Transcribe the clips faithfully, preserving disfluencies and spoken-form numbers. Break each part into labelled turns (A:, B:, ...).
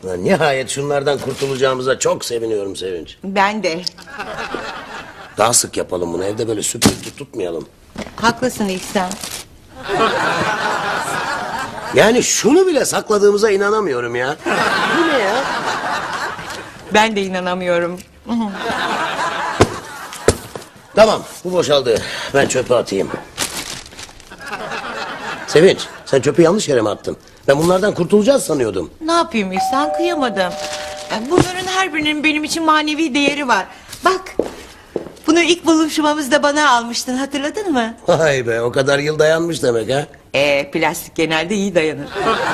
A: Lan nihayet şunlardan kurtulacağımıza çok seviniyorum Sevinç.
B: Ben de.
A: Daha sık yapalım bunu. Evde böyle süpürge tutmayalım.
B: Haklısın İhsan.
A: Yani şunu bile sakladığımıza inanamıyorum ya. Bu ne ya?
B: Ben de inanamıyorum.
A: Tamam, bu boşaldı. Ben çöpe atayım. Sevinç, sen çöpü yanlış yere mi attın? Ben bunlardan kurtulacağız sanıyordum.
B: Ne yapayım İhsan, kıyamadım. Yani bunların her birinin benim için manevi değeri var. Bak, bunu ilk buluşmamızda bana almıştın, hatırladın mı?
A: Vay be, o kadar yıl dayanmış demek ha.
B: Ee, plastik genelde iyi dayanır.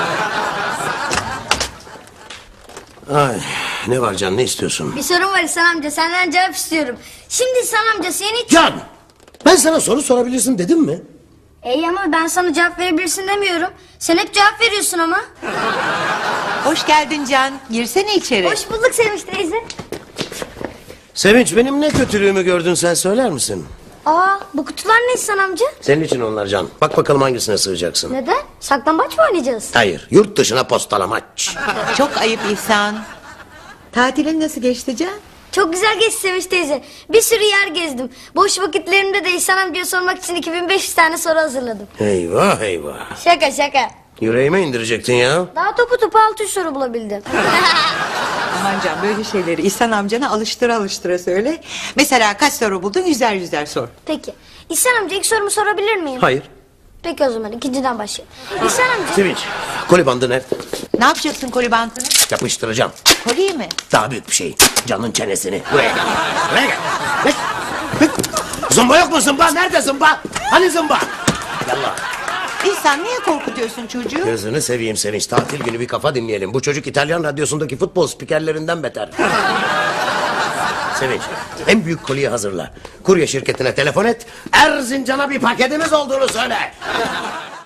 A: Ay, ne var Can, ne istiyorsun?
C: Bir sorun var İhsan amca, senden cevap istiyorum. Şimdi İhsan amca seni hiç...
A: Can, ben sana soru sorabilirsin dedim mi?
C: İyi ama ben sana cevap verebilirsin demiyorum. Sen hep cevap veriyorsun ama.
B: Hoş geldin Can, girsene içeri.
C: Hoş bulduk Sevinç teyze.
A: Sevinç, benim ne kötülüğümü gördün sen söyler misin?
C: Aa, bu kutular ne İhsan amca?
A: Senin için onlar Can. Bak bakalım hangisine sığacaksın.
C: Neden? Saklambaç mı oynayacağız?
A: Hayır, yurt dışına postalamaç.
B: Çok ayıp İhsan. Tatilin nasıl geçti Can?
C: Çok güzel geçti Sevinç teyze. Bir sürü yer gezdim. Boş vakitlerimde de İhsan amcaya sormak için iki bin beş yüz tane soru hazırladım.
A: Eyvah eyvah.
C: Şaka şaka.
A: Yüreğime indirecektin ya.
C: Daha topu topu altı yüz soru bulabildim.
B: Aman Can, böyle şeyleri İhsan amcana alıştıra alıştıra söyle. Mesela kaç soru buldun, yüzer yüzer sor.
C: Peki. İhsan amca ilk sorumu sorabilir miyim?
A: Hayır.
C: Peki o zaman ikinciden başlayalım. İhsan amca...
A: Sevinç, koli bandı nerede?
B: Ne yapacaksın koli bantını?
A: Yapıştıracağım.
B: Koliyi mi?
A: Daha büyük bir şey. Canın çenesini. Buraya gel. Buraya gel. Gel. Gel. Zımba yok mu zımba? Nerede zımba? Hani zımba? Yallah.
B: İhsan, niye korkutuyorsun çocuğu?
A: Gözünü seveyim Sevinç. Tatil günü bir kafa dinleyelim. Bu çocuk İtalyan radyosundaki futbol spikerlerinden beter. Sevinç, en büyük koliyi hazırla. Kurye şirketine telefon et. Erzincan'a bir paketimiz olduğunu söyle.